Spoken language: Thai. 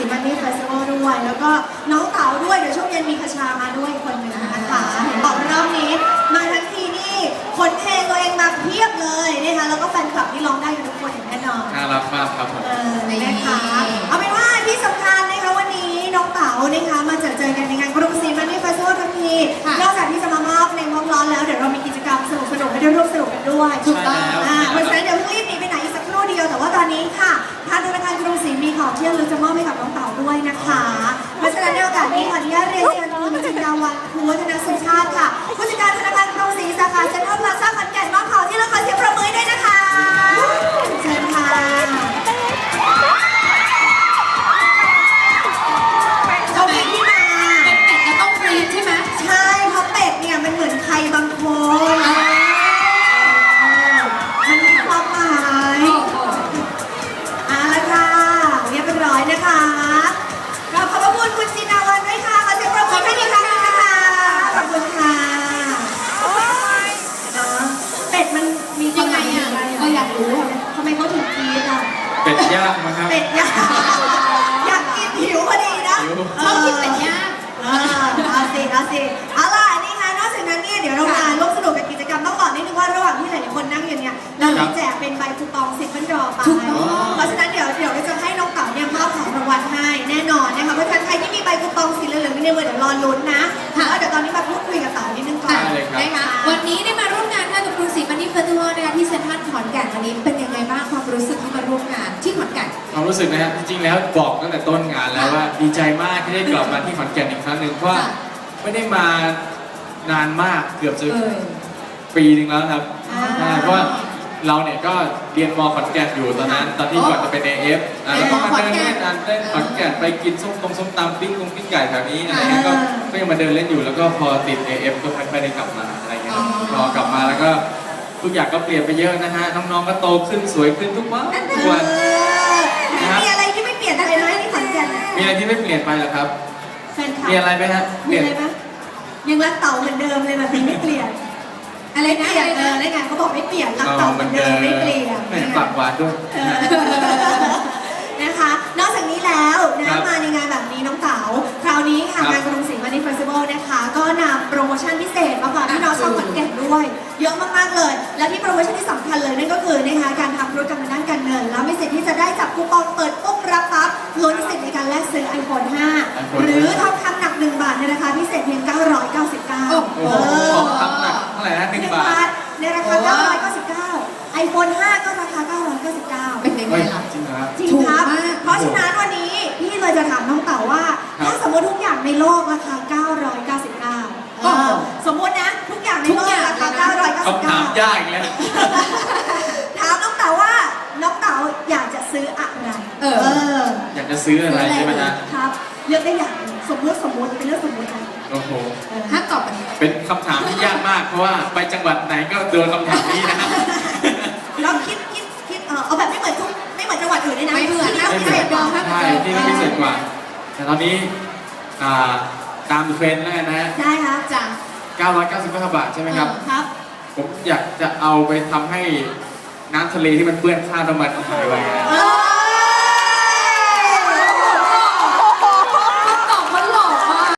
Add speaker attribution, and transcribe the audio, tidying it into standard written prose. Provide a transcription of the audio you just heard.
Speaker 1: มันนี่เฟสติวัลด้วยแล้วก็น้องเต๋าด้วยเดี๋ยวช่วงเย็นมีคชามาด้วยคนหนึ่งนะคะเห็นบอกรอบนี้มาทั้งทีนี่คนเพลงตัวเองมาเพียบเลยนะคะแล้วก็แฟนคลับที่ร้องได้กันทุกคนอย่างแน่นอน
Speaker 2: น่ารักมากครับผม
Speaker 1: นะคะเอาเป็นว่าที่สำคัญนะคะวันนี้น้องเต๋านะคะมาเจอกันในงานกรุงศรีมันนี่เฟสติวัลทั้งทีนอกจากที่จะมามอบเพลงร้อนๆแล้วเดี๋ยวเรามีกิจกรรมสนุกๆให้ได้ร่วมสนุกกันด้วยถูกต้องเพราะฉะนั้นเดี๋ยวเพิ่งรีบหนีไปไหนอีกสักครู่เดียวแต่ว่าตอนนี้ค่ะทางธนาคารกรุงศรีมีของที่ระลึกจะมอบให้กับน้องเต๋าด้วยนะคะเพราะฉะนั้นในโอกาสนี้ขออนุญาตเรียนเชิญคุณจินดาวันภูวัฒนสุชาติค่ะผู้จัดการธนาคารกรุงศรีสาขาเซ็นทรัลพลาซ่าขอนแก่นมอบของที่ระลึกขอเสียงปรบมือด้วยนะคะเชิญค่ะเขามีที่มา
Speaker 3: เป็นเป็ดจะต้องกรี๊ดใช่ไหม
Speaker 1: ใช่เพราะเป็ดเนี่ยมันเหมือนใครบางคนมันมีความหมายเอาละค่ะเรียบร้อยนะคะเราขอบพระคุณคุณจินดาวันด้วยค่ะขอเสียงปรบมือให้อีกครั้งหนึงนะคะขอบคุณค่ะเป็ดมันมีความหมายอย่างไรก็อยากรู้ทำไมเขาถึงกรี๊ดอ่ะ
Speaker 2: เป็ดย่างมั้งครับ
Speaker 1: เป็ดย่างอยากกินหิวพอดีนะ
Speaker 3: ชอบกินเป็ดย่าง
Speaker 1: เอาสิเอาล่ะนี่ค่ะนอกจากนั้นเนี่ยเดี๋ยวเรามาร่วมสนุกกับกิจกรรมต้องบอกนิดนึงว่าระหว่างที่หลายๆคนนั่งอยู่เนี่ยเรามีแจกเป็นใบคูปอง10พันดอไปเพราะฉะนั้นเดี๋ยวเราจะให้น้องเต๋าเนี่ยมอบของรางวัลให้แน่นอนนะคะเพราะฉะนั้นใครที่มีใบคูปองสีเหลืองๆในมือเดี๋ยวรอลุ้นนะแล้วเดี๋ยวตอนนี้มาพูดคุยกับเต๋านิดนึงก่อน
Speaker 3: นะคะวันนี้ได้มาร่วมงานกับกรุงศรีมันนี่เฟสติวัลนะคะที่เซ็นทรัลขอนแก่นวันนี้เป็นยังไงบ้างความรู้สึกที่มาร่วมงานที่ขอนแก่น
Speaker 2: ความรู้สึกนะฮะจริงๆแล้วบอกตั้งแต่ต้นงานแล้วว่าดีใจมากที่ได้กลับมาที่ขอนแก่นอีกครั้งหนึ่งเพราะว่าไม่ได้มานานมากเกือบจะปีหนึงแล้วครับเพราะว่าเราเนี่ยก็เรียนมขอนแก่นอยู่ตอนนั้นตอนที่ก่อนจะเป็น AF แล้วก็มาเดินเล่นเล่นขอนแก่นไปกินส้มตำปิ้งไก่แถวนี้อะไรเงี้ยก็ยังมาเดินเล่นอยู่แล้วก็พอติด AF ก็ไม่ได้กลับมาอะไรเงี้ยพอกลับมาแล้วก็ทุกอย่างก็เปลี่ยนไปเยอะนะฮะน้องๆก็โตขึ้นสวยขึ้นทุกวัน
Speaker 1: มีอะไรที่ไม่เปลี่ยนไปไหมที่ขอนแก่น
Speaker 2: มีอะไรที่ไม่เปลี่ยนไปหรอครับ
Speaker 1: แฟนคลับ
Speaker 2: มีอะไรไหมฮะ
Speaker 1: มีอะไรไหมยังรักเต่าเหมือนเดิมเลยแบบนี้ไม่เปลี่ยนอะไรนะได้ไงเขาบอกไม่เปลี่ยนรักเต่าเหมือนเดิมไม่เปลี่ยน
Speaker 2: ไม่ปากหวานด้วย
Speaker 1: นะคะนอกจากนี้แล้วนะมาในงานแบบนี้น้องเต๋าคราวนี้ค่ะงานกรุงศรีมันนี่เฟสติวัลนะคะก็นำโปรโมชั่นพิเศษมาฝากพี่น้องชาวขอนแก่นด้วยเยอะมากๆเลยและที่โปรโมชั่นที่สำคัญเลยนั่นก็คือนะคะการทำธุรกรรมทางด้านการเงินแล้วมีสิทธิ์ที่จะได้จับคูปองเปิดปุ๊บรับปั๊บลุ้นสิทธิ์ในการแลกซื้อ iPhone 5 หรือทองคำหนัก1 บาทในราคาพิเศษเพียง999
Speaker 2: โอ้โหทองคำหนักเท่าไหร่นะ1 บาท
Speaker 1: ในราคา999 iPhone 5 ก็ราคา999
Speaker 3: เป็นยังไงล่ะ
Speaker 2: จริงเหรอครับ
Speaker 1: จริงครับ เพราะฉะนั้นวันนี้พี่เลยจะถามน้องเต๋าว่า ถ้าสมมติทุกอย่างในโลกราคา 999 สมมตินะทุกอย่างในโลกราคา
Speaker 2: คำถาม
Speaker 1: 999
Speaker 2: ยากอีกแล้ว
Speaker 1: ถามน้องเต๋าว่าน้องเต๋าอยากจะซื้ออะไร
Speaker 2: อยากจะซื้ออะไรใช่ไหมฮะ
Speaker 1: ครับเลือกได้อย่างหนึ่งสมมติเป็นเรื่องสมมตินะ
Speaker 2: โอ้โห
Speaker 3: ถ้าตอบแบบนี้
Speaker 2: เป็นคำถามที่ยากมากเพราะว่าไปจังหวัดไหนก็โดนคำถามนี้นะฮะ
Speaker 1: เราคิดเอาแบบไม่เหมือนจังหวัดอื่นด้วยนะ
Speaker 3: ไม่เหมือนนะ
Speaker 1: พิเศษกว่า
Speaker 2: ใช่ที่นี่พิเศษกว่า แต่ตอนนี้ตามเทรนด์แล้วกันนะฮะ
Speaker 1: ได้ครับ
Speaker 3: จ้ะ
Speaker 2: 999 บาทใช่ไหมครับ
Speaker 1: ครับ
Speaker 2: ผมอยากจะเอาไปทำให้น้ำทะเลที่มันเปื้อนคราบน้ำมันหายไป